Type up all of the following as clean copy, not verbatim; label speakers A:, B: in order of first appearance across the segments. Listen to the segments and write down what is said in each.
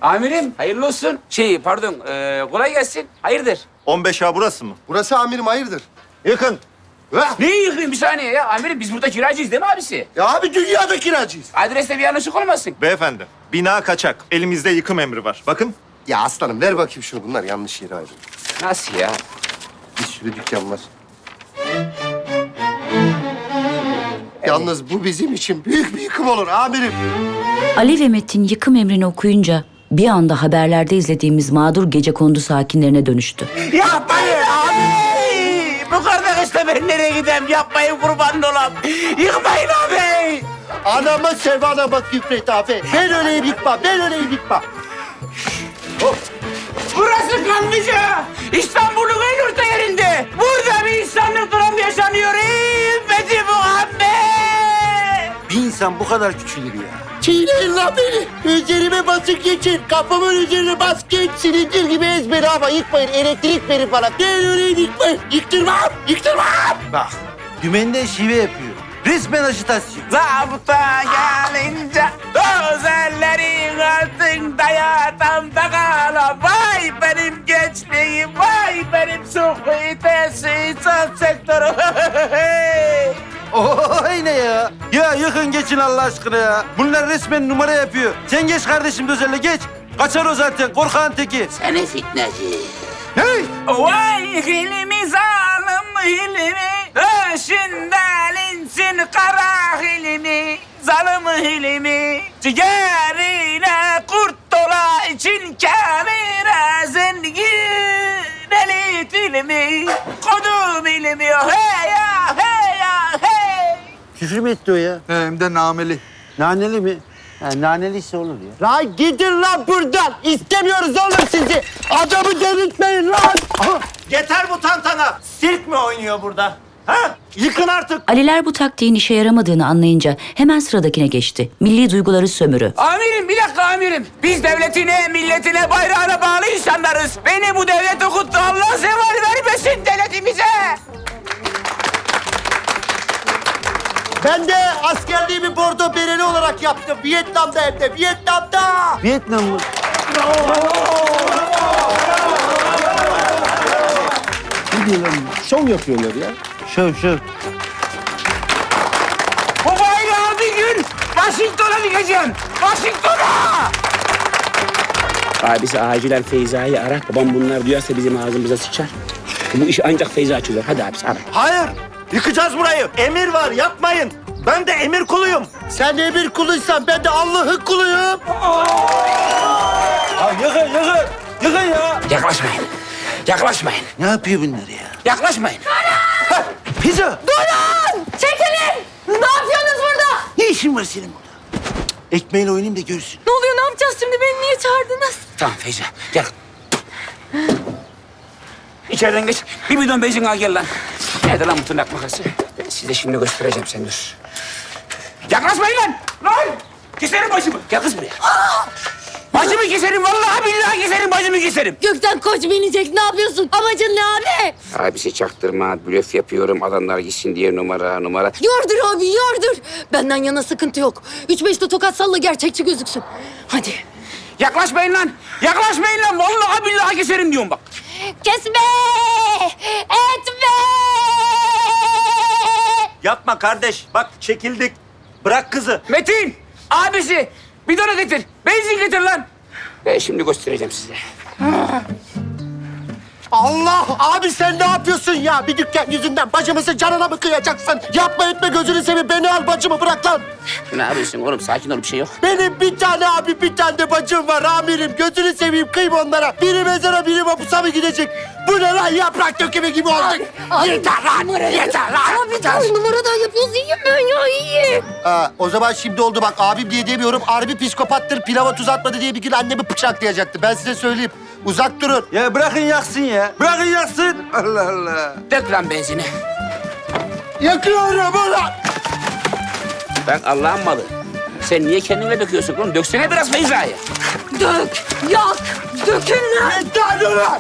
A: Amirim hayırlı olsun. Pardon kolay gelsin. Hayırdır?
B: 15A burası mı?
C: Burası amirim hayırdır?
B: Yakın.
A: Neyi yıkayım bir saniye ya? Amirim biz burada kiracıyız değil mi abisi?
C: Ya abi dünyada kiracıyız.
A: Adreste bir yanlışlık olmasın.
B: Beyefendi, bina kaçak. Elimizde yıkım emri var. Bakın.
C: Ya aslanım ver bakayım şunu. Bunlar yanlış yere ayrıldı.
A: Nasıl ya?
C: Bir sürü dükkan var. Yalnız bu bizim için büyük bir yıkım olur amirim.
D: Ali ve Metin yıkım emrini okuyunca bir anda haberlerde izlediğimiz mağdur gecekondu sakinlerine dönüştü.
A: Yapmayın abi! Bu kardeşle ben nereye gideyim? Yapmayın kurban olam. Yıkmayın abi!
C: Anama sevana bak Gülfret abi. Ben öyleyim yıkma, ben öyleyim yıkma.
A: Burası Kanlıca. İstanbul'un en orta yerinde. Burada bir insanlık dramı yaşanıyor. Ümmeti Muhammed!
E: Bir insan bu kadar küçülür ya.
C: Çiğneyin lan beni. Üzerime basıp geçin. Kafamın üzerine bas geç. Silindir gibi ezberi ama yıkmayın. Elektrik verin bana. Ben öyleyim yıkmayın. Yıktırmam, yıktırmam.
E: Bak, dümenden şive yapıyor. Resmen ajitasyon.
A: Zabıta gelince özellerin altında yatan da kalan. Vay benim gençliğim, vay benim sohbetesi, insan sektörü.
E: Oy ne ya? Ya yıkın geçin Allah aşkına ya. Bunlar resmen numara yapıyor. Sen geç kardeşim Dözel'le geç. Kaçar o zaten korkağın teki.
A: Seni fitneci.
E: Hey!
A: Vay hilmi zalim hilmi, öşünden insin kara hilmi, zalim hilmi. Ciğerine kurt dola için kamera zengin elit ilmi, kodum ilmi hey ya hey ya hey.
E: Küfür mü etti o ya?
F: Hem de nameli.
E: Naneli mi? Ha, naneliyse olur ya.
C: Lan gidin lan buradan. İstemiyoruz oğlum sizi. Adamı delirtmeyin lan. Aha.
B: Yeter bu tantana. Sirk mi oynuyor burada? Ha? Yıkın artık.
D: Aliler bu taktiğin işe yaramadığını anlayınca hemen sıradakine geçti. Milli duyguları sömürü.
A: Amirim bir dakika amirim. Biz devletine, milletine, bayrağına bağlı insanlarız. Beni bu devlet okuttu. Allah zeval vermesin devletimize.
C: Ben de askerliğimi bordo bereli olarak yaptım. Vietnam'da hem de. Vietnam'da.
E: Vietnam mı?
C: Ne diyorlar? Şov yapıyorlar ya.
E: Şöv.
A: Bu bayrağı bir gün Washington'a dikeceğim. Washington'a! Abisi acilen Feyza'yı ara. Babam bunlar duyarsa bizim ağzımıza sıçar. Bu iş ancak Feyza çözer. Hadi abisi ara.
B: Hayır. Yıkacağız burayı. Emir var. Yapmayın. Ben de emir kuluyum.
C: Sen emir kuluysan ben de Allah'ın kuluyum.
E: Ha, yıkın ya.
A: Yaklaşmayın. Yaklaşmayın.
E: Ne yapıyor bunlar ya?
A: Yaklaşmayın.
E: Pizza.
G: Çekilin! Ne yapıyorsunuz burada?
E: Ne işin var senin burada? Ekmeğiyle oynayayım da görsün.
G: Ne oluyor? Ne yapacağız şimdi? Beni niye çağırdınız?
A: Tamam Feyza gel. İçeriden geç. Bir bidon benzin al gel lan. Nerede lan bu tırnak makası? Ben size şimdi göstereceğim sen dur. Yaklaşmayın lan! Lan! Keserim başımı. Gel kız buraya. Başımı keserim vallahi billahi keserim başımı keserim.
G: Gökten koç binecek. Ne yapıyorsun? Amacın ne abi?
A: Abisi çaktırma, blöf yapıyorum adamlar gitsin diye numara.
G: Yordur abi, yordur. Benden yana sıkıntı yok. 3-5 de tokat salla gerçekçi gözüksün. Hadi.
A: Yaklaşmayın lan! Yaklaşmayın lan! Vallahi billahi keserim diyorum bak.
G: Kesme! Etme!
B: Yapma kardeş. Bak çekildik. Bırak kızı.
A: Metin! Abisi! Bidonu getir. Benzin getir lan. Ben şimdi göstereceğim size.
C: Allah! Abi sen ne yapıyorsun ya? Bir dükkan yüzünden bacımızın canına mı kıyacaksın? Yapma etme gözünü seveyim. Beni al bacımı bırak lan.
A: Ne yapıyorsun oğlum? Sakin ol bir şey yok.
C: Benim bir tane abi bir tane de bacım var amirim. Gözünü seveyim kıyma onlara. Biri mezara biri mapusa mı gidecek? Bu ne lan yaprak dökümü gibi olduk. Yeter lan! Yeter lan!
G: Abi dur numaradan yapıyoruz. İyiyim ben ya iyiyim.
C: O zaman şimdi oldu bak abim diye demiyorum. Harbi psikopattır pilava tuz atmadı diye bir gün annemi bıçaklayacaktı. Ben size söyleyeyim. Uzak durun.
E: Ya bırakın yaksın ya. Bırakın yaksın. Allah Allah.
A: Dök lan benzini.
C: Yakıyorum ulan.
A: Ben Allah'ın malı. Sen niye kendine döküyorsun oğlum? Döksene biraz Feyza'yı.
G: Dök, yak, dökün lan.
C: Yeter ulan.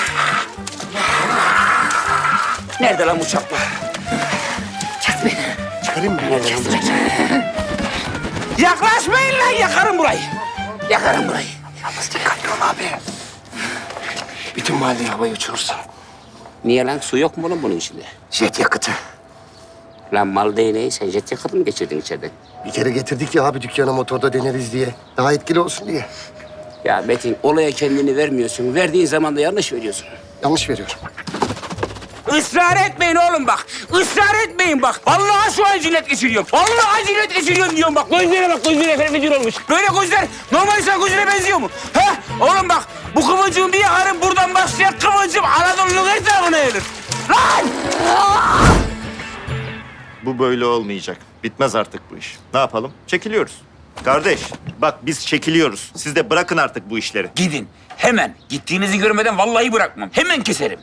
A: Nerede lan bu çapla?
G: Kes beni.
C: Çıkarayım mı?
A: Nerede lan bu çapla? Yaklaşmayın lan yakarım burayı. Yakarım burayı.
C: Yalnız dikkatli ol abi. Bütün mahalleyi havaya uçurursun.
A: Niye lan? Su yok mu oğlum bunun içinde?
C: Jet yakıtı.
A: Lan mal değneği sen jet yakıtı mı geçirdin içeriden?
C: Bir kere getirdik ya abi dükkana motorda deneriz diye. Daha etkili olsun diye.
A: Ya Metin olaya kendini vermiyorsun. Verdiğin zaman da yanlış veriyorsun.
C: Yanlış veriyorum.
A: Israr etmeyin oğlum bak. Israr etmeyin bak. Vallahi şu an cilet geçiriyorum. Vallahi cilet geçiriyorum diyorum bak. Gözlere bak gözlere fenefecir olmuş. Böyle gözler normal insan gözüne benziyor mu? He? Oğlum bak bu kıvılcım bir yakarım buradan başlayan kıvılcım Anadolu'nun her tarafına yayılır. Lan!
B: Bu böyle olmayacak. Bitmez artık bu iş. Ne yapalım? Çekiliyoruz. Kardeş, bak biz çekiliyoruz. Siz de bırakın artık bu işleri.
A: Gidin hemen. Gittiğinizi görmeden vallahi bırakmam. Hemen keserim.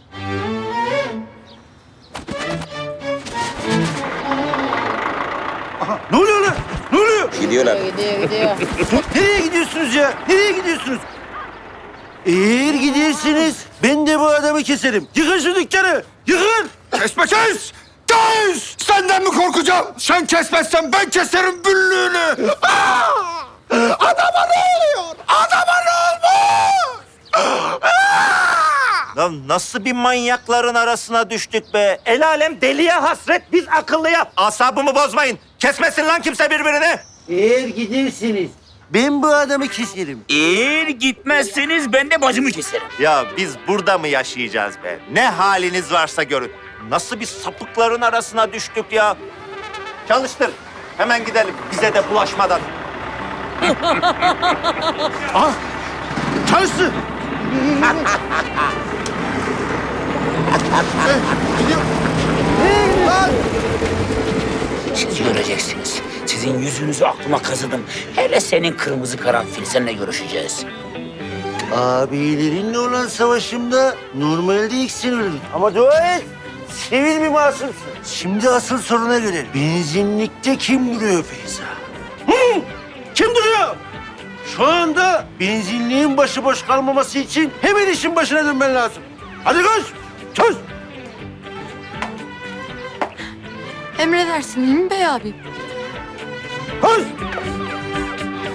E: Ne oluyor lan? Ne oluyor?
A: Gidiyorlar.
G: Gidiyor.
E: Nereye gidiyorsunuz ya? Nereye gidiyorsunuz? Eğer gidersiniz ben de bu adamı keserim. Yıkın şu dükkanı. Yıkın.
C: Kesme kes! Kes! Senden mi korkacağım? Sen kesmezsen ben keserim büllüğünü. Adama ne oluyor? Adama ne olmuş?
B: Lan nasıl bir manyakların arasına düştük be? El alem deliye hasret, biz akıllıya. Asabımı bozmayın. Kesmesin lan kimse birbirini.
E: Eğer gidersiniz ben bu adamı keserim.
A: Eğer gitmezseniz ben de bacımı keserim.
B: Ya biz burada mı yaşayacağız be? Ne haliniz varsa görün. Nasıl bir sapıkların arasına düştük ya? Çalıştır. Hemen gidelim. Bize de bulaşmadan.
E: Çalışsın.
A: Siz göreceksiniz. Sizin yüzünüzü aklıma kazıdım. Hele senin kırmızı karanfil. Seninle görüşeceğiz.
E: Abilerinle olan savaşımda normalde ilk sen ölürdün. Ama dua et. Sevil bir masumsun. Şimdi asıl soruna gelelim. Benzinlikte kim duruyor Feyza? Hı? Kim duruyor? Şu anda benzinliğin başıboş kalmaması için hemen işin başına dönmen lazım. Hadi koş. Koş.
G: Emredersin değil mi bey abi?
E: Koş.